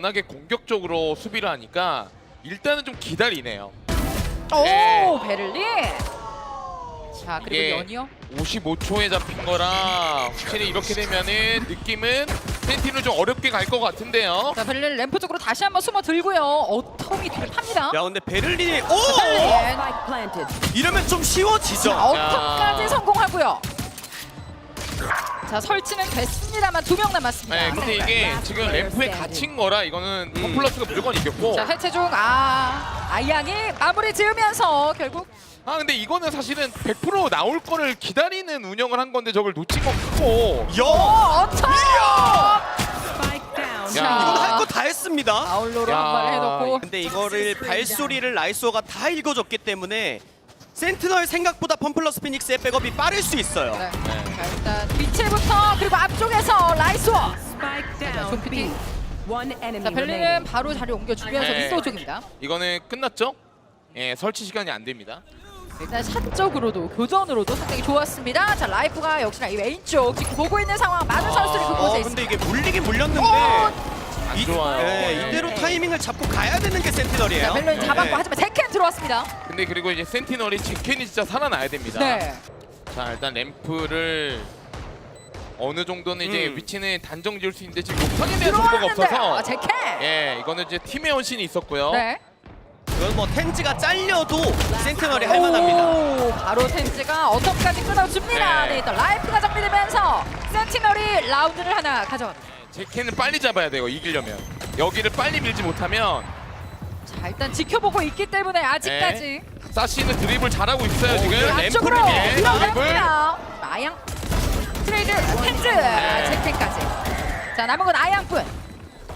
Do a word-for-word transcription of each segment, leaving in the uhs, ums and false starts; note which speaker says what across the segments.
Speaker 1: 워낙에 공격적으로 수비를 하니까 일단은 좀 기다리네요.
Speaker 2: 오
Speaker 1: 네.
Speaker 2: 베를린. 자 그리고
Speaker 1: 이게
Speaker 2: 연이요.
Speaker 1: 오십오 초에 잡힌 거라 확실히 이렇게 되면은 느낌은 센티는 좀 어렵게 갈 것 같은데요.
Speaker 2: 자 베를린 램프 쪽으로 다시 한번 숨어 들고요. 어텀이 뒤를 팝니다.
Speaker 3: 야 근데 베를린이 오!
Speaker 2: 베를린.
Speaker 3: 이러면 좀 쉬워지죠.
Speaker 2: 자 어텀까지 성공하고요. 자 설치는 됐습니다만 두 명 남았습니다.
Speaker 1: 네, 근데 이게 지금 램프에 갇힌 거라 이거는 컴플러스가 무조건 이겼고.
Speaker 2: 자 해체 중 아 아이양이 마무리 지으면서 결국
Speaker 1: 아 근데 이거는 사실은 백 퍼센트 나올 거를 기다리는 운영을 한 건데 저걸 놓친 건 크고.
Speaker 3: 야!
Speaker 2: 어 어텀.
Speaker 1: 야.
Speaker 3: 이건 할 거 다 했습니다.
Speaker 2: 아울로로
Speaker 1: 야.
Speaker 2: 한 발 해놓고.
Speaker 3: 근데 이거를 발소리를 라이소가 다 읽어줬기 때문에 센티널 생각보다 펌플러스 피닉스의 백업이 빠를 수 있어요.
Speaker 2: 네. 자 일단 뒤채부터 그리고 앞쪽에서 라이스워. 자 존피티. 자 베를린은 바로 자리 옮겨주면서
Speaker 1: 네.
Speaker 2: 윈도우 쪽입니다.
Speaker 1: 이거는 끝났죠? 예, 설치 시간이 안 됩니다.
Speaker 2: 일단 샷적으로도 교전으로도 상당히 좋았습니다. 자 라이프가 역시나 이 메인 쪽 지금 보고 있는 상황 많은 선수들이
Speaker 3: 어,
Speaker 2: 그곳에
Speaker 3: 근데
Speaker 2: 있습니다.
Speaker 3: 이게 물리긴 물렸는데
Speaker 2: 어!
Speaker 1: 안 좋아요.
Speaker 3: 네, 이대로 타이밍을 잡고 가야 되는 게 센티널이에요.
Speaker 2: 자 베를린 잡았고
Speaker 3: 네.
Speaker 2: 하지만 제켄 들어왔습니다.
Speaker 1: 근데 그리고 이제 센티널이 직캔이 진짜 살아나야 됩니다.
Speaker 2: 네.
Speaker 1: 자 일단 램프를 어느 정도는 이제
Speaker 3: 음.
Speaker 1: 위치는 단정 지을 수 있는데 지금 욕탕에 대한 정보가
Speaker 2: 들어왔는데
Speaker 1: 없어서
Speaker 2: 아, 제켄.
Speaker 1: 예 이거는 이제 팀의 헌신이 있었고요.
Speaker 2: 네.
Speaker 3: 이건 뭐 텐즈가 잘려도 센티널이 할 만합니다.
Speaker 2: 오, 바로 텐즈가 어텀까지 끊어줍니다.
Speaker 1: 네.
Speaker 2: 네. 일단 라이프가 정리되면서 센티널이 라운드를 하나 가져갑니다.
Speaker 1: 제캔을 빨리 잡아야 돼요 이기려면. 여기를 빨리 밀지 못하면
Speaker 2: 자 일단 지켜보고 있기 때문에 아직까지
Speaker 1: 사시는 드리블 잘하고 있어요
Speaker 3: 오,
Speaker 1: 지금.
Speaker 3: 이거
Speaker 2: 안쪽으로
Speaker 3: 램프를 위해
Speaker 2: 밀어냅니다. 아양 트레이드 텐즈 아, 제켄까지. 자 남은 건 아양뿐.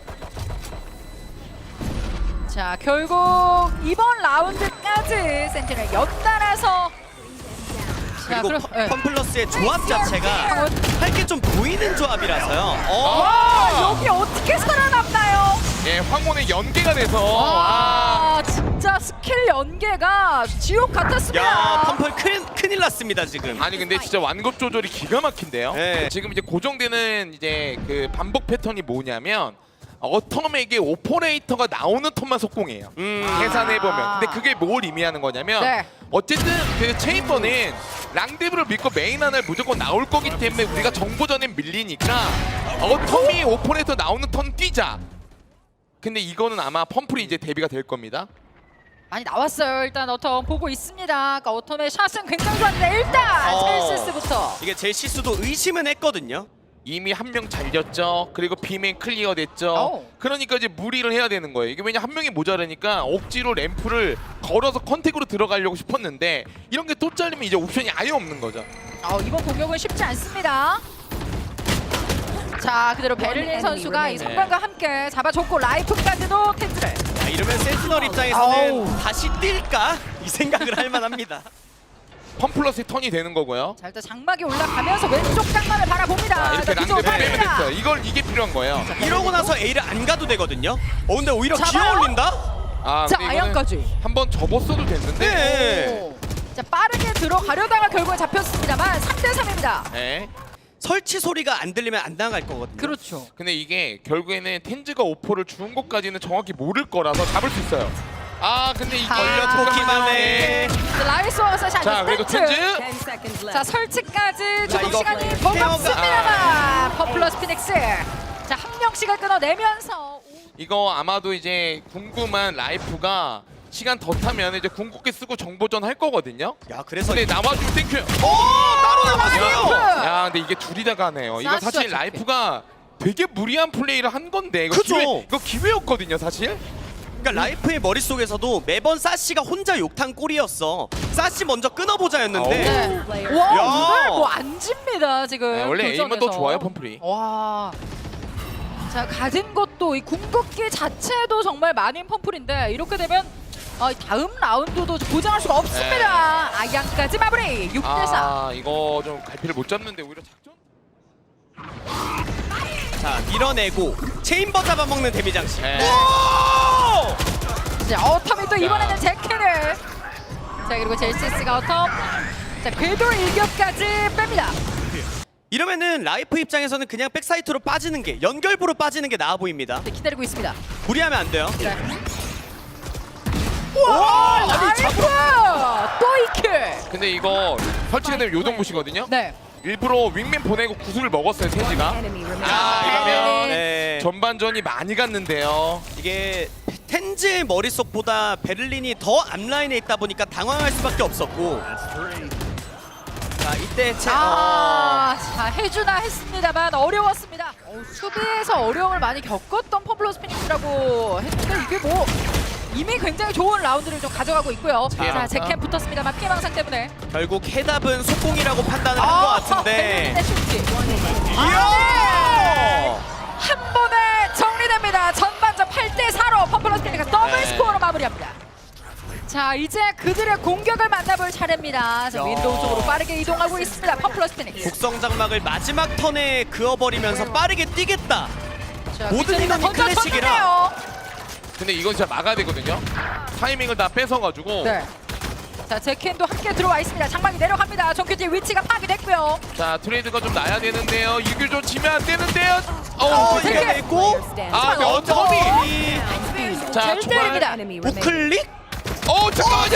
Speaker 2: 자 결국 이번 라운드까지 센티널 연달아서 자,
Speaker 3: 그리고
Speaker 2: 그럼, 네.
Speaker 3: 펌플러스의 조합 자체가 할 게 좀 보이는 조합이라서요. 어.
Speaker 2: 와 여기 어떻게 살아남나요?
Speaker 1: 예 황혼의 연계가 돼서 아,
Speaker 2: 아 진짜 스킬 연계가 지옥 같았습니다.
Speaker 3: 야 펌플 큰, 큰일 났습니다 지금.
Speaker 1: 아니 근데 진짜 완급 조절이 기가 막힌데요.
Speaker 3: 네.
Speaker 1: 지금 이제 고정되는 이제 그 반복 패턴이 뭐냐면 어텀에게 오퍼레이터가 나오는 턴만 속공해요.
Speaker 3: 음.
Speaker 1: 계산해 보면. 근데 그게 뭘 의미하는 거냐면
Speaker 2: 네.
Speaker 1: 어쨌든 그 체인버는 랑데브를 믿고 메인 하나를 무조건 나올 거기 때문에 우리가 정보전에 밀리니까 어텀이 오퍼레이터 나오는 턴 뛰자. 근데 이거는 아마 펌플이 이제 대비가 될 겁니다.
Speaker 2: 많이 나왔어요. 일단 어텀 보고 있습니다. 아까 어텀의 샷은 굉장히 좋았는데 일단
Speaker 3: 어.
Speaker 2: 첼시스부터.
Speaker 3: 이게 젤시스도 의심은 했거든요.
Speaker 1: 이미 한 명 잘렸죠. 그리고 비맨 클리어 됐죠.
Speaker 2: 오.
Speaker 1: 그러니까 이제 무리를 해야 되는 거예요. 이게 왜냐 한 명이 모자라니까 억지로 램프를 걸어서 컨택으로 들어가려고 싶었는데 이런 게 또 잘리면 이제 옵션이 아예 없는 거죠.
Speaker 2: 어, 이번 공격은 쉽지 않습니다. 자 그대로 베를린 선수가 이 선방과 함께 잡아줬고 라이프까지도 텐즈를.
Speaker 3: 자, 이러면 센티널 입장에서는
Speaker 2: 아우.
Speaker 3: 다시 뛸까? 이 생각을 할 만합니다.
Speaker 1: 펌플러스의 턴이 되는 거고요.
Speaker 2: 자 일단 장막이 올라가면서 왼쪽 장막을 바라봅니다.
Speaker 1: 자, 이렇게
Speaker 2: 자, 뒤쪽으로
Speaker 1: 랑데브 빼면
Speaker 2: 갑니다.
Speaker 1: 됐어요. 이걸 이게 필요한 거예요.
Speaker 3: 이러고 나서 A를 안 가도 되거든요. 어 근데 오히려
Speaker 2: 잡아요?
Speaker 3: 기어 올린다?
Speaker 1: 아,
Speaker 2: 자
Speaker 1: 근데 이거는
Speaker 2: 아양까지.
Speaker 1: 한번 접었어도 됐는데.
Speaker 3: 네.
Speaker 2: 오. 자 빠르게 들어가려다가 결국에 잡혔습니다만 삼 대 삼입니다.
Speaker 1: 네.
Speaker 3: 설치 소리가 안 들리면 안 나갈 거거든요.
Speaker 2: 그렇죠.
Speaker 1: 근데 이게 결국에는 텐즈가 오퍼를 주는 것까지는 정확히 모를 거라서 잡을 수 있어요. 아 근데 이게
Speaker 3: 걸려보기만 해.
Speaker 1: 네.
Speaker 2: 자, 라이스와 샷.
Speaker 1: 자 그리고 텐즈.
Speaker 2: 자 설치까지
Speaker 3: 자,
Speaker 2: 조금
Speaker 3: 이거
Speaker 2: 시간이
Speaker 3: 페어가-
Speaker 2: 버겁습니다만 퍼플러스 피닉스 자 한 명씩을 끊어내면서
Speaker 1: 이거 아마도 이제 궁금한 라이프가 시간 더 타면 이제 궁극기 쓰고 정보전 할 거거든요.
Speaker 3: 야 그래서
Speaker 1: 근데 나와주면 땡큐.
Speaker 3: 오 따로 나왔어요.
Speaker 2: 라이프!
Speaker 1: 야 근데 이게 둘이 다 가네요. 이거
Speaker 2: 사시와
Speaker 1: 사실
Speaker 2: 좋게.
Speaker 1: 라이프가 되게 무리한 플레이를 한 건데 이거
Speaker 3: 그죠?
Speaker 1: 기회, 이거 기회였거든요 사실.
Speaker 3: 그러니까 라이프의 머릿속에서도 매번 사시가 혼자 욕탕 꼴이었어. 사시 먼저 끊어보자였는데
Speaker 2: 네.
Speaker 3: 야.
Speaker 2: 와 오늘 뭐안 집니다 지금
Speaker 1: 네, 원래
Speaker 2: 교전에서.
Speaker 1: 에임은 더 좋아요 펌플이.
Speaker 2: 와. 자 가진 것도 이 궁극기 자체도 정말 많은 펌플인데 이렇게 되면 어, 다음 라운드도 보장할 수가 없습니다. 아양까지 마무리 육 대 사.
Speaker 1: 아 이거 좀 갈피를 못 잡는데 오히려 작전.
Speaker 3: 자 밀어내고 체인버 잡아먹는 데미 장식.
Speaker 1: 네.
Speaker 3: 오!
Speaker 2: 자 어텀이 또 이번에는 제켄을. 자 그리고 젤시스가 어텀. 자 궤도 일격까지 뺍니다.
Speaker 3: 이러면은 라이프 입장에서는 그냥 백사이트로 빠지는 게 연결부로 빠지는 게 나아 보입니다.
Speaker 2: 네, 기다리고 있습니다.
Speaker 3: 무리하면 안 돼요.
Speaker 2: 네.
Speaker 3: 와, 아니
Speaker 2: 나이스!
Speaker 3: 잡
Speaker 2: 또 이 킬.
Speaker 1: 근데 이거 설치가 되면 요동부시거든요.
Speaker 2: 네.
Speaker 1: 일부러 윙맨 보내고 구슬을 먹었어요 텐지가.
Speaker 4: Enemy remaining.
Speaker 1: 아 이러면
Speaker 3: 네.
Speaker 1: 전반전이 많이 갔는데요.
Speaker 3: 이게 텐즈의 머릿속보다 베를린이 더 앞라인에 있다 보니까 당황할 수밖에 없었고. 자 이때 제
Speaker 2: 아, 자 해주나 했습니다만 어려웠습니다. 어, 수비에서 어려움을 많이 겪었던 펌플러스 피닉스라고 했는데 이게 뭐 이미 굉장히 좋은 라운드를 좀 가져가고 있고요.
Speaker 1: 자,
Speaker 2: 자, 제캠 붙었습니다만 피해 망상 때문에
Speaker 3: 어, 결국 해답은 속공이라고 판단을 한 것 같은데.
Speaker 2: 베를린의 슈팅.
Speaker 3: 이야!
Speaker 2: 한 번에 정리됩니다. 전반전 팔 대 사로 펌플러스 피닉스가 더블
Speaker 1: 네.
Speaker 2: 스코어로 마무리합니다. 자 이제 그들의 공격을 만나볼 차례입니다. 자,
Speaker 3: 야.
Speaker 2: 윈도우 쪽으로 빠르게 이동하고 있습니다. 펌플러스 피닉스.
Speaker 3: 곡성 장막을 마지막 턴에 그어버리면서 빠르게 뛰겠다.
Speaker 2: 자,
Speaker 3: 모든
Speaker 2: 빅토리가
Speaker 3: 인원이
Speaker 2: 먼저
Speaker 3: 클래식이라.
Speaker 2: 쳤는데요.
Speaker 1: 근데 이건 진짜 막아야 되거든요. 타이밍을 다 뺏어가지고.
Speaker 2: 네. 자 제켄도 함께 들어와 있습니다. 장막이 내려갑니다. 정규티 위치가 파괴됐고요.
Speaker 1: 자 트레이드가 좀 나야 되는데요. 이길 좀 지면 안 되는데요.
Speaker 3: 어,
Speaker 1: 어,
Speaker 2: 되게-
Speaker 3: 이게 있고.
Speaker 1: 아 근데 어텀이. 자
Speaker 2: 잘
Speaker 1: 초반.
Speaker 2: 때립니다.
Speaker 4: Enemy remaining.
Speaker 3: 우클릭?
Speaker 1: 어 잠깐만요.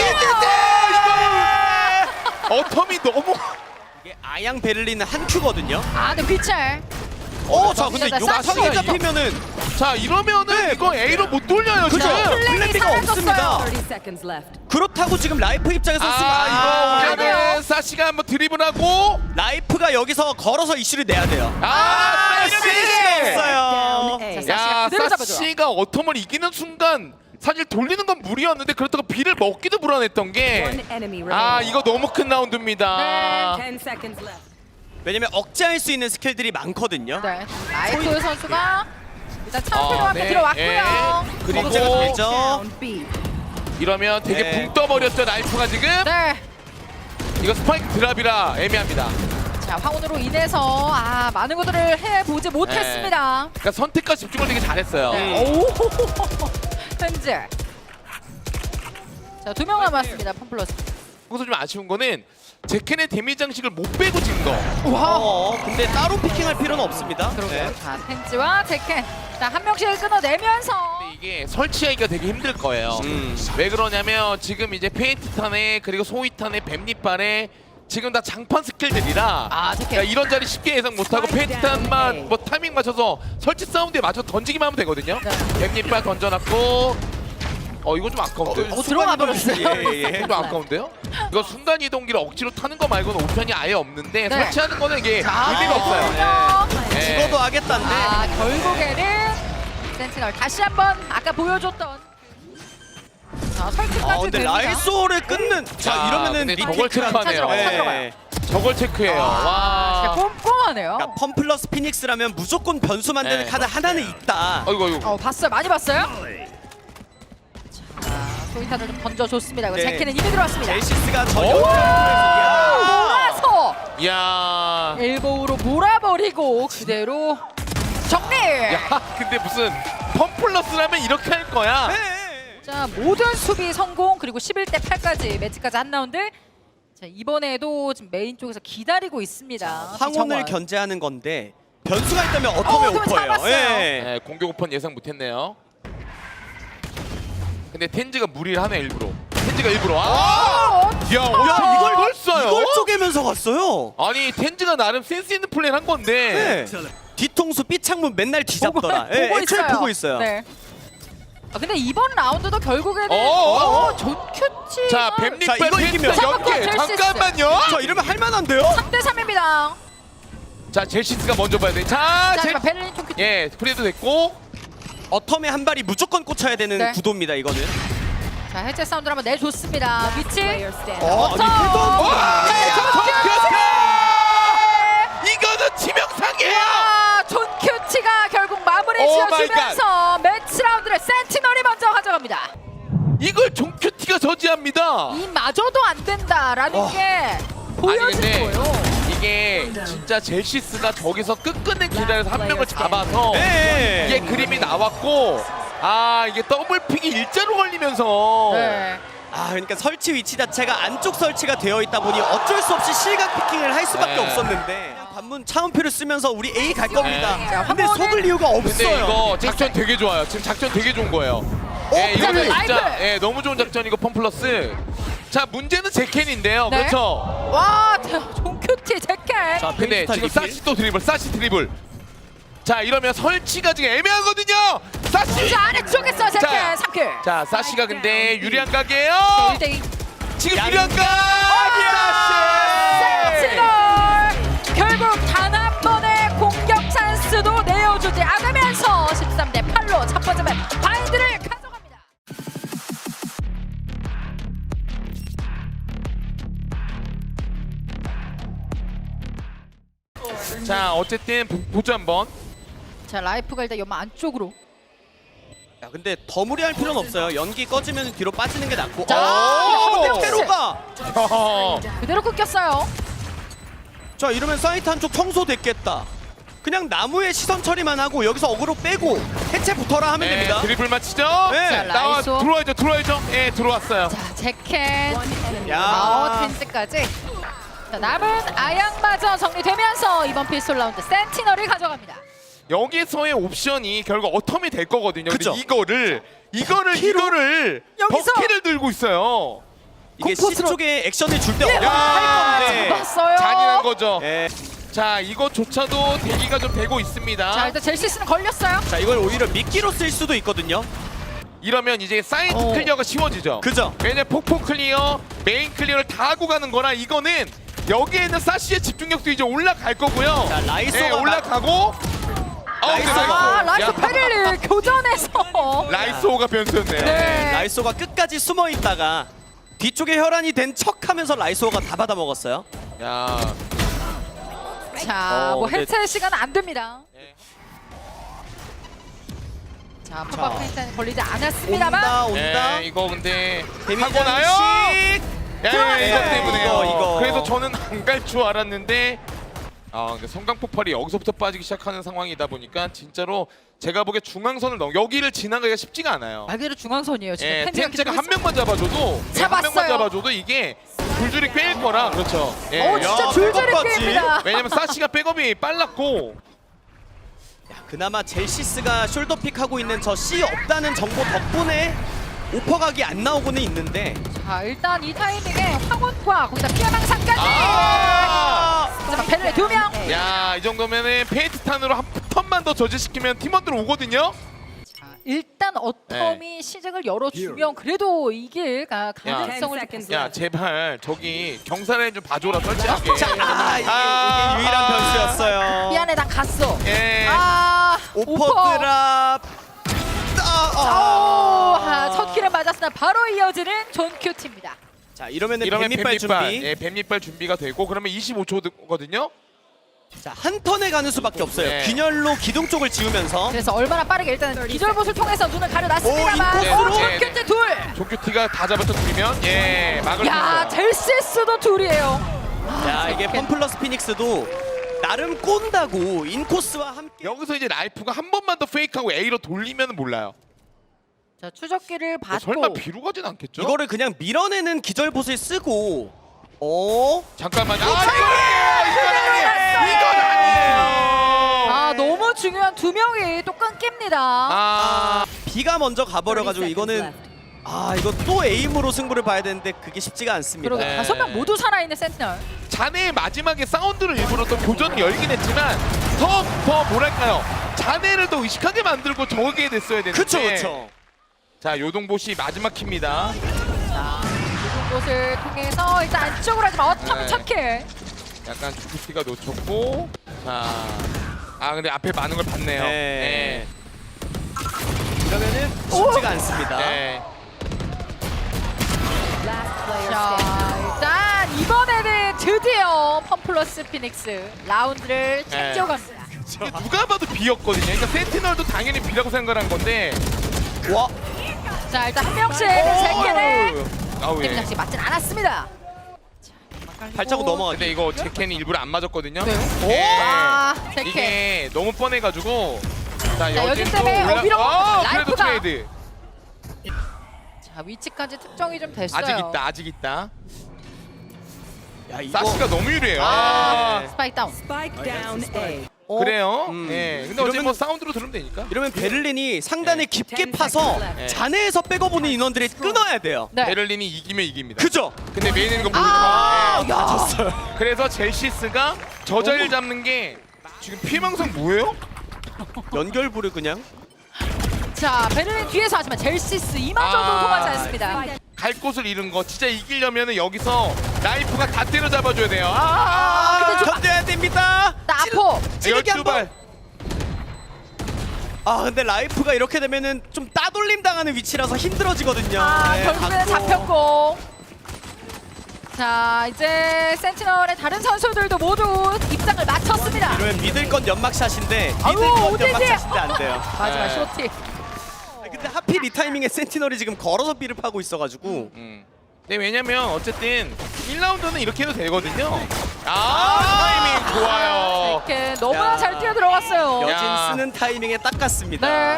Speaker 1: 이거 어텀이 너무.
Speaker 3: 이게 아양 베를린은 한 큐거든요.
Speaker 2: 아, 네 귀찰.
Speaker 3: 어, 자 근데
Speaker 2: 진짜
Speaker 3: 욕탕에
Speaker 1: 이거.
Speaker 3: 잡히면은
Speaker 1: 자 이러면은
Speaker 3: 네.
Speaker 1: 이거 A로 못 돌려요
Speaker 3: 그죠?
Speaker 1: 지금.
Speaker 2: 플랜이
Speaker 3: 플랜비가
Speaker 2: 사라졌어요.
Speaker 3: 없습니다.
Speaker 4: thirty seconds left.
Speaker 3: 그렇다고 지금 라이프 입장에서 쓰면
Speaker 1: 아 이거
Speaker 2: 아니에요.
Speaker 1: 오면은 사시가 한번 드리블하고.
Speaker 3: 라이프가 여기서 걸어서 이슈를 내야 돼요.
Speaker 1: 아
Speaker 3: 이러면
Speaker 1: 사시.
Speaker 3: 이슈가 없어요.
Speaker 4: Down A.
Speaker 2: 자, 사시가
Speaker 1: 야
Speaker 2: 그대로 잡아줘요.
Speaker 1: 사시가 어텀을 이기는 순간 사실 돌리는 건 무리였는데 그렇다고 비를 먹기도 불안했던
Speaker 4: One
Speaker 1: 게.
Speaker 4: enemy
Speaker 1: 아
Speaker 4: remaining.
Speaker 1: 이거 너무 큰 라운드입니다.
Speaker 2: 네.
Speaker 4: ten seconds left.
Speaker 3: 왜냐면 억제할 수 있는 스킬들이 많거든요.
Speaker 2: 네. 라이프 선수가 일단 차은표로
Speaker 1: 어,
Speaker 2: 함께
Speaker 1: 네.
Speaker 2: 들어왔고요.
Speaker 1: 예. 그리고
Speaker 3: 억제가 되죠.
Speaker 4: Down B.
Speaker 1: 이러면 되게
Speaker 3: 네.
Speaker 1: 붕 떠버렸죠 라이프가 지금.
Speaker 2: 네.
Speaker 1: 이거 스파이크 드랍이라 애매합니다.
Speaker 2: 자 황혼으로 인해서 아 많은 것들을 해보지 못했습니다.
Speaker 1: 그러니까 선택과 집중을 되게 잘했어요.
Speaker 2: 네. 오. 현재. 자 두 명 남았습니다. 펌플러스.
Speaker 1: 거기서 좀 아쉬운 거는 제켄의 데미 장식을 못 빼고 진 거.
Speaker 2: 와.
Speaker 3: 어, 근데 따로 피킹할 필요는 없습니다.
Speaker 2: 그러게요.
Speaker 3: 네.
Speaker 2: 자 텐지와 제켄. 자한 명씩 끊어내면서.
Speaker 1: 근데 이게 설치하기가 되게 힘들 거예요.
Speaker 3: 음.
Speaker 1: 왜 그러냐면 지금 이제 페인트탄에 그리고 소위탄에 뱀잎발에 지금 다 장판 스킬들이라
Speaker 2: 아 제켄.
Speaker 1: 그러니까 이런 자리 쉽게 예상 못하고 페인트탄만 뭐 타이밍 맞춰서 설치 사운드에 맞춰 던지기만 하면 되거든요.
Speaker 2: 네.
Speaker 1: 뱀잎발 던져놨고 어 이거 좀 아까운데.
Speaker 2: 어, 들어가 버렸어요.
Speaker 3: 예, 예.
Speaker 1: 좀 아까운데요? 이거 순간 이동기를 억지로 타는 거 말고는 옵션이 아예 없는데
Speaker 2: 네.
Speaker 1: 설치하는 거는 이게
Speaker 2: 자,
Speaker 1: 의미가 없어요.
Speaker 2: 그렇군요.
Speaker 1: 네.
Speaker 3: 죽어도 하겠다는데.
Speaker 2: 아 결국에는 센티널 다시 한번 아까 보여줬던 자 설득까지
Speaker 3: 아 근데
Speaker 2: 됩니다.
Speaker 3: 라이소를 끊는. 자
Speaker 1: 자,
Speaker 3: 이러면은
Speaker 1: 근데
Speaker 3: 리테이크가-
Speaker 1: 저걸 체크하네요.
Speaker 2: 찾으러 가요, 찾으러 가요.
Speaker 3: 네.
Speaker 1: 저걸 체크해요.
Speaker 2: 아, 진짜
Speaker 1: 와.
Speaker 2: 꼼꼼하네요.
Speaker 3: 그러니까 펌플러스 피닉스라면 무조건 변수 만드는
Speaker 1: 네.
Speaker 3: 카드 하나는 있다.
Speaker 1: 어이구 어이구.
Speaker 2: 어 봤어요, 많이 봤어요. 자 소이탄을 좀 던져줬습니다. 이거
Speaker 3: 네.
Speaker 2: 제키는 이미 들어왔습니다.
Speaker 3: 젤시스가 저
Speaker 1: 오!
Speaker 3: 옆으로
Speaker 2: 몰아서
Speaker 1: 이야.
Speaker 2: 엘보우로 몰아버리고 그대로 정리.
Speaker 1: 야 근데 무슨 펌플러스라면 이렇게 할 거야.
Speaker 3: 네.
Speaker 2: 자 모든 수비 성공 그리고 십일 대 팔까지 매치까지 한 라운드. 자 이번에도 지금 메인 쪽에서 기다리고 있습니다.
Speaker 3: 황혼을
Speaker 2: 정원.
Speaker 3: 견제하는 건데 변수가 있다면
Speaker 2: 어,
Speaker 3: 어텀의
Speaker 2: 그럼
Speaker 3: 오퍼예요.
Speaker 2: 잡았어요.
Speaker 3: 예.
Speaker 1: 네, 공격 오픈 예상 못했네요. 근데 텐즈가 무리를 하네 일부러. 텐즈가 일부러. 아!
Speaker 2: 어,
Speaker 1: 야 어쩜
Speaker 3: 야,
Speaker 1: 이걸
Speaker 3: 이걸
Speaker 1: 써요?
Speaker 3: 이걸 쪼개면서 갔어요.
Speaker 1: 아니 텐즈가 나름 센스 있는 플레이 한 건데.
Speaker 3: 네. 뒤통수 삐창문 맨날 뒤잡더라. 예,
Speaker 2: 보고
Speaker 3: 애초에
Speaker 2: 있어요.
Speaker 3: 보고 있어요.
Speaker 2: 네. 아 근데 이번 라운드도 결국에는
Speaker 1: 어, 어, 어.
Speaker 2: 존큐치
Speaker 1: 자
Speaker 3: 자,
Speaker 1: 뱀잎발
Speaker 3: 이거
Speaker 1: 텐즈
Speaker 3: 이기면
Speaker 1: 연계
Speaker 2: 젤시스.
Speaker 1: 잠깐만요.
Speaker 3: 저 이러면 할만한데요?
Speaker 2: 삼 대 삼입니다.
Speaker 1: 자 젤시스가 먼저 봐야 돼. 자
Speaker 2: 자
Speaker 1: 젤.
Speaker 2: 하지만 베를린 존큐치.
Speaker 1: 예 프리도 됐고.
Speaker 3: 어텀에 한 발이 무조건 꽂혀야 되는
Speaker 2: 네.
Speaker 3: 구도입니다. 이거는.
Speaker 2: 자 해체 사운드를 한번 내줬습니다. 위치.
Speaker 4: Player standing.
Speaker 3: 어, 아니
Speaker 2: 어텀.
Speaker 3: 패도
Speaker 1: 와!
Speaker 2: 네,
Speaker 1: 이거는 치명상이에요.
Speaker 2: 아, 존 큐치가 결국 마무리
Speaker 1: 오
Speaker 2: 지어주면서 매치 라운드를 센티널이 먼저 가져갑니다.
Speaker 1: 이걸 종큐티가 저지합니다.
Speaker 2: 이마저도 안 된다라는
Speaker 3: 와.
Speaker 2: 게 보여진
Speaker 1: 근데
Speaker 2: 거예요.
Speaker 1: 이게 진짜 젤시스가 저기서 끝끝내 기다려서 한 명을 잡아서
Speaker 3: 네.
Speaker 1: 이게 그림이 나왔고 아 이게 더블픽이 일자로 걸리면서
Speaker 2: 네.
Speaker 3: 아 그러니까 설치 위치 자체가 안쪽 설치가 되어 있다 보니 어쩔 수 없이 실각 피킹을 할 수밖에
Speaker 1: 네.
Speaker 3: 없었는데 그냥 관문 차음표를 쓰면서 우리 A 갈 겁니다.
Speaker 1: 네.
Speaker 2: 자,
Speaker 3: 근데
Speaker 2: 한 번은-
Speaker 3: 속을 이유가
Speaker 1: 근데
Speaker 3: 없어요.
Speaker 1: 이거 작전 되게 좋아요. 지금 작전 되게 좋은 거예요. 예, 이거는
Speaker 2: 라이프!
Speaker 1: 진짜 예, 너무 좋은 작전이고 펌플러스. 자 문제는 제켄인데요.
Speaker 2: 네.
Speaker 1: 그렇죠.
Speaker 2: 와, 종큐티 제켄.
Speaker 3: 자,
Speaker 1: 근데
Speaker 3: 페인트타
Speaker 1: 지금
Speaker 3: 리필.
Speaker 1: 사시 또 드리블, 사시 드리블. 자 이러면 설치가 지금 애매하거든요. 사시.
Speaker 2: 자, 아래쪽에서 제켄
Speaker 1: 자,
Speaker 2: 삼 킬.
Speaker 1: 자 사시가 근데 유리한 각이에요.
Speaker 2: 일 대 이.
Speaker 1: 지금
Speaker 3: 양-
Speaker 1: 유리한 각. 사시.
Speaker 2: 세치골. 결국 단 한 번의 공격 찬스도 내어주지 않으면서 십삼 대 팔로 첫 번째 맵 바인드를 가져갑니다.
Speaker 1: 자 어쨌든 보- 보죠 한번.
Speaker 2: 자, 라이프가 일단 연마 안쪽으로.
Speaker 3: 야, 근데 더 무리할 필요는 없어요. 연기 꺼지면 뒤로 빠지는 게 낫고.
Speaker 2: 자,
Speaker 3: 어,
Speaker 2: 한 명씩.
Speaker 3: 테로가.
Speaker 1: 허허.
Speaker 2: 그대로 끊겼어요.
Speaker 3: 자 이러면 사이트 한쪽 청소됐겠다. 그냥 나무에 시선 처리만 하고 여기서 어그로 빼고 해체부터라 하면
Speaker 1: 네,
Speaker 3: 됩니다.
Speaker 1: 드리블 맞히죠.
Speaker 3: 네.
Speaker 2: 자,
Speaker 1: 나와
Speaker 2: 라이소.
Speaker 1: 들어와야죠, 들어와야죠. 예, 들어왔어요.
Speaker 2: 자, 제켄.
Speaker 3: 야.
Speaker 2: 마워틴즈까지. 자, 남은 아양마저 정리되면서 이번 피스톨 라운드 센티널을 가져갑니다.
Speaker 1: 여기서의 옵션이 결국 어텀이 될 거거든요. 근데
Speaker 3: 그쵸.
Speaker 1: 이거를 이거를 이거를
Speaker 2: 여기서.
Speaker 1: 버키를 들고 있어요.
Speaker 3: 이게
Speaker 2: 공포스러워.
Speaker 3: C 쪽에 액션을 줄 때
Speaker 2: 야,
Speaker 3: 어떻게 할 건데.
Speaker 2: 잡았어요.
Speaker 1: 잔인한 거죠.
Speaker 3: 예.
Speaker 1: 자, 이것조차도 대기가 좀 되고 있습니다.
Speaker 2: 자, 일단 젤시스는 걸렸어요.
Speaker 3: 자 이걸 오히려 미끼로 쓸 수도 있거든요.
Speaker 1: 이러면 이제 사이드
Speaker 2: 어.
Speaker 1: 클리어가 쉬워지죠.
Speaker 3: 그죠?
Speaker 1: 왜냐면 폭포 클리어, 메인 클리어를 다 하고 가는 거라 이거는 여기에 있는 사시의 집중력도 이제 올라갈 거고요.
Speaker 3: 자, 라이소가
Speaker 1: 네, 올라가고. 아,
Speaker 3: 라이소가-
Speaker 2: 아, 라이스 페릴리 교전에서.
Speaker 1: 라이소가 변수였네요.
Speaker 2: 네.
Speaker 3: 라이소가 끝까지 숨어 있다가 뒤쪽에 혈안이 된 척하면서 라이소가 다 받아 먹었어요.
Speaker 1: 야.
Speaker 2: 자,
Speaker 3: 어,
Speaker 2: 뭐
Speaker 3: 근데-
Speaker 2: 해체 시간 안 됩니다.
Speaker 1: 네.
Speaker 2: 자, 팝업 페인트는 걸리지 않았습니다만.
Speaker 3: 온다 온다.
Speaker 1: 네, 이거 근데
Speaker 3: 데미지
Speaker 1: 하고 나요.
Speaker 3: 장식.
Speaker 1: 예,
Speaker 2: 들어갔어요.
Speaker 1: 이것 때문에요.
Speaker 3: 이거, 이거.
Speaker 1: 그래서 저는 안 갈 줄 알았는데 아, 근데 성강 폭발이 여기서부터 빠지기 시작하는 상황이다 보니까 진짜로 제가 보기에 중앙선을 넘 여기를 지나가기가 쉽지가 않아요.
Speaker 2: 말 그대로 중앙선이에요. 지금
Speaker 1: 예,
Speaker 2: 펜지가
Speaker 1: 텐제가
Speaker 2: 계속
Speaker 1: 한 명만 잡아줘도 예, 한
Speaker 2: 잡았어요.
Speaker 1: 명만 잡아줘도 이게 줄줄이 꿰일 거라 그렇죠. 예.
Speaker 2: 어, 진짜
Speaker 3: 야,
Speaker 2: 줄줄이
Speaker 3: 백업까지.
Speaker 2: 꿰입니다.
Speaker 1: 왜냐면 사시가 백업이 빨랐고
Speaker 3: 야, 그나마 젤시스가 숄더픽 하고 있는 저 C 없다는 정보 덕분에 오퍼각이 안 나오고는 있는데.
Speaker 2: 자, 일단 이 타이밍에 황혼과 거기다 피해망상까지.
Speaker 1: 아!
Speaker 2: 자, 페릴리 두 명.
Speaker 1: 야, 이 정도면은 페이트탄으로 한 턴만 더 저지시키면 팀원들 오거든요.
Speaker 2: 자, 일단 어텀이
Speaker 1: 네.
Speaker 2: 시작을 열어주면 그래도 이길 가- 가능성을
Speaker 4: 야.
Speaker 2: 좀
Speaker 1: 야, 제발 저기 경사를 좀 봐줘라 설치하게.
Speaker 3: 자, 아, 이게,
Speaker 1: 아.
Speaker 3: 이게 유일한 변수였어요.
Speaker 2: 미안해, 나 갔어.
Speaker 1: 예.
Speaker 2: 아,
Speaker 3: 오퍼
Speaker 2: 오퍼.
Speaker 3: 드랍. 아,
Speaker 2: 오,
Speaker 3: 아.
Speaker 2: 아, 첫 킬을 맞았으나 바로 이어지는 존 큐티입니다.
Speaker 3: 자, 이러면은
Speaker 1: 이러면
Speaker 3: 뱀밑발
Speaker 1: 뱀밑발,
Speaker 3: 준비.
Speaker 1: 예, 뱀밑발 준비가 되고 그러면 이십오 초거든요.
Speaker 3: 자, 한 턴에 가는 수밖에 없어요.
Speaker 1: 네.
Speaker 3: 균열로 기둥 쪽을 지우면서.
Speaker 2: 그래서 얼마나 빠르게 일단 기절봇을 통해서 눈을 가려놨습니다만
Speaker 3: 오,
Speaker 2: 오,
Speaker 3: 인코스로.
Speaker 2: 존 큐티 둘!
Speaker 1: 조큐티가 다 잡아터뜨리면 예, 막을 수
Speaker 2: 야,
Speaker 1: 있어요.
Speaker 2: 젤시스도 둘이에요.
Speaker 3: 야, 이게 펌플러스 피닉스도 나름 꼰다고 인코스와 함께.
Speaker 1: 여기서 이제 라이프가 한 번만 더 페이크하고 A로 돌리면 몰라요.
Speaker 2: 자, 추적기를
Speaker 1: 뭐
Speaker 2: 받고
Speaker 1: 설마 B로 가진 않겠죠?
Speaker 3: 이거를 그냥 밀어내는 기절봇을 쓰고. 어?
Speaker 1: 잠깐만요. 아,
Speaker 2: 이거는
Speaker 1: 이건 아니에요.
Speaker 2: 아, 너무 중요한 두 명이 또 끊깁니다.
Speaker 1: 아,
Speaker 3: B가 먼저 가버려가지고 이거는 아 이거 또 에임으로 승부를 봐야 되는데 그게 쉽지가 않습니다.
Speaker 2: 그러게
Speaker 1: 네.
Speaker 2: 다섯 명 모두 살아있는 센티널.
Speaker 1: 자네의 마지막에 사운드를 일부러 또 교전을 열긴 했지만 더, 더 뭐랄까요. 자네를 더 의식하게 만들고 저게 됐어야 되는데.
Speaker 3: 그쵸 그쵸.
Speaker 1: 자, 요동보시 마지막 킵니다.
Speaker 2: 자, 이런 곳을 통해서 일단 안쪽으로 하지만 어텀이
Speaker 1: 네.
Speaker 2: 첫 킬.
Speaker 1: 약간 주쿠티가 놓쳤고. 자, 아 근데 앞에 많은 걸 봤네요.
Speaker 3: 네. 이러면은 쉽지가 않습니다.
Speaker 1: 네.
Speaker 4: Last player
Speaker 2: 자,
Speaker 4: standing.
Speaker 2: 일단 이번에는 드디어 펌플러스 피닉스 라운드를 챙겨갑니다.
Speaker 1: 이게 누가 봐도 B였거든요. 그러니까 센티널도 당연히 B라고 생각한 건데.
Speaker 3: 와.
Speaker 2: 자, 일단 한 명씩 제켄의
Speaker 1: 아우
Speaker 2: 팀
Speaker 1: 예.
Speaker 2: 장식 맞진 않았습니다.
Speaker 3: 발자국 넘어가기.
Speaker 1: 근데 이거 제켄이 일부러 안 맞았거든요.
Speaker 2: 네.
Speaker 1: 예.
Speaker 2: 아, 제켄.
Speaker 1: 이게 너무 뻔해가지고. 자,
Speaker 2: 여기
Speaker 1: 여진도
Speaker 2: 때문에
Speaker 1: 올라.
Speaker 2: 어, 밀어
Speaker 1: 아, 그래도
Speaker 2: 라이프가.
Speaker 1: 트레이드.
Speaker 2: 자, 위치까지 특정이 좀 됐어요.
Speaker 1: 아직 있다 아직 있다.
Speaker 3: 야 이거
Speaker 1: 사시가 너무 유리해요.
Speaker 3: 아,
Speaker 1: 아,
Speaker 3: 네.
Speaker 2: 스파이크 다운.
Speaker 4: Spike down A.
Speaker 3: 어?
Speaker 1: 그래요?
Speaker 3: 음.
Speaker 1: 예. 근데 어제
Speaker 3: 이러면-
Speaker 1: 뭐 사운드로 들으면 되니까.
Speaker 3: 이러면 베를린이 상단에
Speaker 1: 네.
Speaker 3: 깊게
Speaker 4: ten
Speaker 3: 파서
Speaker 4: seconds left.
Speaker 1: 네.
Speaker 3: 잔해에서 백업오는 인원들이 끊어야 돼요.
Speaker 2: 네.
Speaker 1: 베를린이 이기면 이깁니다.
Speaker 3: 그죠?
Speaker 1: 근데 메인 있는 거
Speaker 2: 아,
Speaker 1: 모르니까.
Speaker 2: 야.
Speaker 3: 졌어요.
Speaker 1: 그래서 젤시스가 저 자리를 잡는 게 지금 피해망상 뭐예요?
Speaker 3: 연결부를 그냥
Speaker 2: 자, 베를린 뒤에서 하지만 젤시스 이마저도
Speaker 1: 아.
Speaker 2: 통하지 않습니다.
Speaker 1: 갈 곳을 잃은 거 진짜 이기려면은 여기서 라이프가 다 때려 잡아줘야 돼요. 아,
Speaker 3: 아,
Speaker 2: 근데 좀-
Speaker 3: 견뎌야 됩니다.
Speaker 2: 나포.
Speaker 3: 찌르기
Speaker 1: 열두
Speaker 3: 한 번.
Speaker 1: 발.
Speaker 3: 아 근데 라이프가 이렇게 되면은 좀 따돌림 당하는 위치라서 힘들어지거든요.
Speaker 2: 아,
Speaker 3: 네,
Speaker 2: 결국에는
Speaker 3: 받고.
Speaker 2: 잡혔고. 자, 이제 센티널의 다른 선수들도 모두 입장을 마쳤습니다.
Speaker 3: 이러면 믿을 건 연막샷인데 믿을
Speaker 2: 아유,
Speaker 3: 건
Speaker 2: 오디지!
Speaker 3: 연막샷인데 안 돼요.
Speaker 2: 마지막
Speaker 1: 네.
Speaker 2: 쇼티.
Speaker 3: 아니, 근데 하필 이 타이밍에 센티널이 지금 걸어서 B를 파고 있어가지고
Speaker 1: 음. 네 왜냐면 어쨌든 일 라운드는 이렇게 해도 되거든요. 아, 타이밍 좋아요.
Speaker 2: 이렇게 너무나
Speaker 3: 야.
Speaker 2: 잘 뛰어 들어갔어요.
Speaker 3: 여진
Speaker 1: 야.
Speaker 3: 쓰는 타이밍에 딱 갔습니다.
Speaker 2: 네.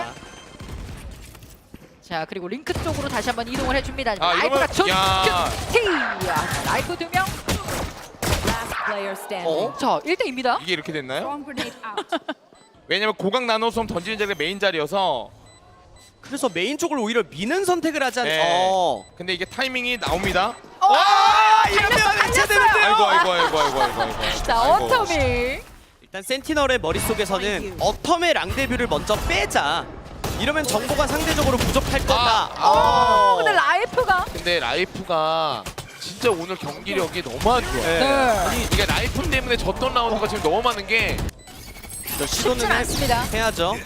Speaker 2: 자, 그리고 링크 쪽으로 다시 한번 이동을 해줍니다.
Speaker 1: 아,
Speaker 2: 라이프가
Speaker 1: 이러면- 야.
Speaker 2: 티. 라이프 두 명.
Speaker 4: Last player standing.
Speaker 1: 어?
Speaker 2: 자, 일 대입니다.
Speaker 1: 이게 이렇게 됐나요?
Speaker 4: Bomb grenade out.
Speaker 1: 왜냐면 고각 나노솜 던지는 자리가 메인 자리여서.
Speaker 3: 그래서 메인 쪽을 오히려 미는 선택을 하지 않.
Speaker 1: 네.
Speaker 3: 어.
Speaker 1: 근데 이게 타이밍이 나옵니다.
Speaker 2: 어,
Speaker 3: 아,
Speaker 2: 달렸어,
Speaker 3: 이러면
Speaker 2: 달렸어요.
Speaker 3: 해체되는데요.
Speaker 1: 아이고 아이고 아이고 아이고 아이고. 아이고.
Speaker 2: 자,
Speaker 1: 아이고.
Speaker 2: 어터미.
Speaker 3: 일단 센티널의 머릿속에서는 어텀의 랑데뷰를 먼저 빼자. 이러면 정보가 상대적으로 부족할 거다.
Speaker 1: 아,
Speaker 2: 어, 근데 라이프가
Speaker 1: 근데 라이프가 진짜 오늘 경기력이 너무 안 좋아요.
Speaker 3: 네.
Speaker 2: 네.
Speaker 1: 이게 라이프 때문에 졌던 라운드가 지금 너무 많은 게
Speaker 3: 저
Speaker 2: 쉽진
Speaker 3: 시도는 해-
Speaker 2: 않습니다.
Speaker 3: 해야죠.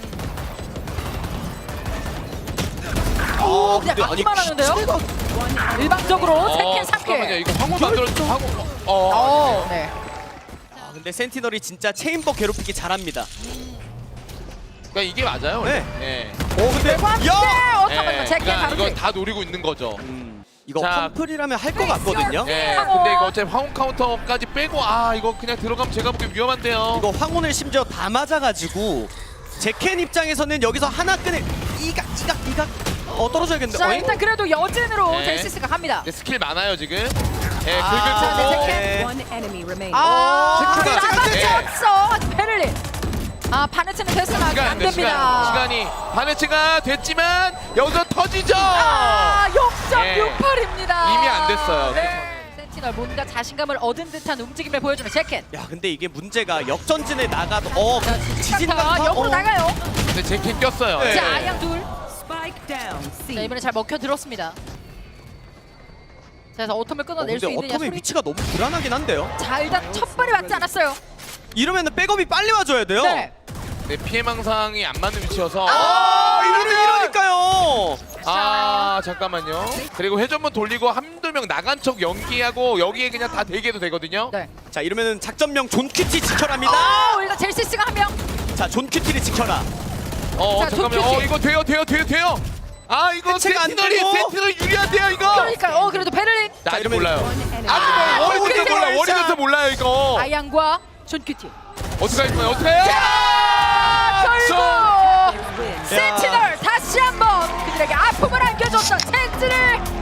Speaker 2: 오,
Speaker 3: 아,
Speaker 2: 그냥
Speaker 3: 근데 아니,
Speaker 2: 막기만 하는데요?
Speaker 3: 기체가-
Speaker 2: 일방적으로
Speaker 1: 어,
Speaker 2: 세킨
Speaker 1: 잠깐만요.
Speaker 2: 삼킬.
Speaker 1: 이거 황후 만들어줘. 황후. 어.
Speaker 2: 어, 네.
Speaker 3: 아, 근데 센티널이 진짜 체인버 괴롭히기 잘합니다.
Speaker 1: 그러니까 이게 맞아요.
Speaker 3: 네.
Speaker 1: 네.
Speaker 3: 오 근데
Speaker 2: 관계
Speaker 3: 야!
Speaker 2: 어터미가 제킬
Speaker 1: 그러니까
Speaker 2: 바로
Speaker 1: 이거
Speaker 2: 킬.
Speaker 1: 다 노리고 있는 거죠.
Speaker 3: 음, 이거
Speaker 1: 자.
Speaker 3: 펌플이라면 할 것 같거든요.
Speaker 1: 네.
Speaker 2: 황혼.
Speaker 1: 근데 이거 어차피 황혼 카운터까지 빼고 아 이거 그냥 들어가면 제가 보기엔 위험한데요.
Speaker 3: 이거 황혼을 심지어 다 맞아가지고 제켄 입장에서는 여기서 하나 끈을 이각 이각 이각 어 떨어져야겠는데.
Speaker 2: 자,
Speaker 3: 어잉?
Speaker 2: 일단 그래도 여진으로
Speaker 1: 네.
Speaker 2: 젤시스가 갑니다.
Speaker 1: 근데 스킬 많아요 지금. 네,
Speaker 3: 아,
Speaker 1: 긁을
Speaker 2: 네,
Speaker 1: 거고.
Speaker 2: 제켄.
Speaker 4: One enemy remaining.
Speaker 2: 아,
Speaker 1: 체크가-
Speaker 2: 잡아쳤어. 베를린. 아, 바네츠는 됐으나
Speaker 1: 시간
Speaker 2: 안
Speaker 1: 안 돼, 시간.
Speaker 2: 됩니다.
Speaker 1: 시간이 바네츠가 됐지만 여기서 터지죠.
Speaker 2: 아, 영 점
Speaker 1: 예.
Speaker 2: 육팔입니다.
Speaker 1: 이미 안 됐어요.
Speaker 2: 네. 센티널 뭔가 자신감을 얻은 듯한 움직임을 보여주는 제켄.
Speaker 3: 야 근데 이게 문제가 역전진에 나가도 어
Speaker 2: 자,
Speaker 3: 지진
Speaker 2: 지진
Speaker 3: 강타
Speaker 2: 강타 역으로
Speaker 3: 어.
Speaker 2: 나가요.
Speaker 1: 근데 제켄 꼈어요.
Speaker 3: 네.
Speaker 2: 자, 아양 둘.
Speaker 4: Spike down C.
Speaker 2: 자, 이번에 잘 먹혀 들었습니다. 자, 그래서 오텀을
Speaker 3: 어,
Speaker 2: 끊어낼
Speaker 3: 근데
Speaker 2: 수 있느냐
Speaker 3: 어텀의
Speaker 2: 소리.
Speaker 3: 위치가 너무 불안하긴 한데요.
Speaker 2: 자, 일단 첫 발이 맞지 않았어요.
Speaker 3: 이러면은 백업이 빨리 와줘야 돼요.
Speaker 2: 네.
Speaker 1: 네, 피해망상이 안 맞는 위치여서.
Speaker 3: 아 이러면 이러니까요.
Speaker 1: 아 잠깐만요. 그리고 회전문 돌리고 한두 명 나간 척 연기하고 여기에 그냥 다 대기해도 되거든요.
Speaker 2: 네.
Speaker 3: 자 이러면은 작전명 존 큐티 지켜랍니다.
Speaker 2: 아, 일단 젤시스가 한 명.
Speaker 3: 자 존 큐티를 지켜라.
Speaker 1: 어
Speaker 2: 자,
Speaker 1: 잠깐만.
Speaker 2: 손
Speaker 1: 어
Speaker 2: 큐티.
Speaker 1: 이거 돼요 돼요 돼요 돼요. 아 이거
Speaker 3: 해체가 안
Speaker 1: 센티널이
Speaker 3: 되고.
Speaker 1: 센티널 유리한데요 이거.
Speaker 2: 그러니까 어 그래도 베를린.
Speaker 1: 나 아직
Speaker 3: 이러면-
Speaker 1: 몰라요.
Speaker 4: One enemy.
Speaker 1: 아직
Speaker 2: 아,
Speaker 1: 몰라요. 워리면서
Speaker 2: 큐티
Speaker 1: 몰라.
Speaker 3: 월샷.
Speaker 1: 워리면서 몰라요 이거.
Speaker 2: 아양과 존 큐티.
Speaker 1: 어떻게 할 거예요? 어떻게 해요?
Speaker 2: 결국
Speaker 4: Win.
Speaker 2: 센티널 다시 한번 그들에게 아픔을 안겨줬던 센트를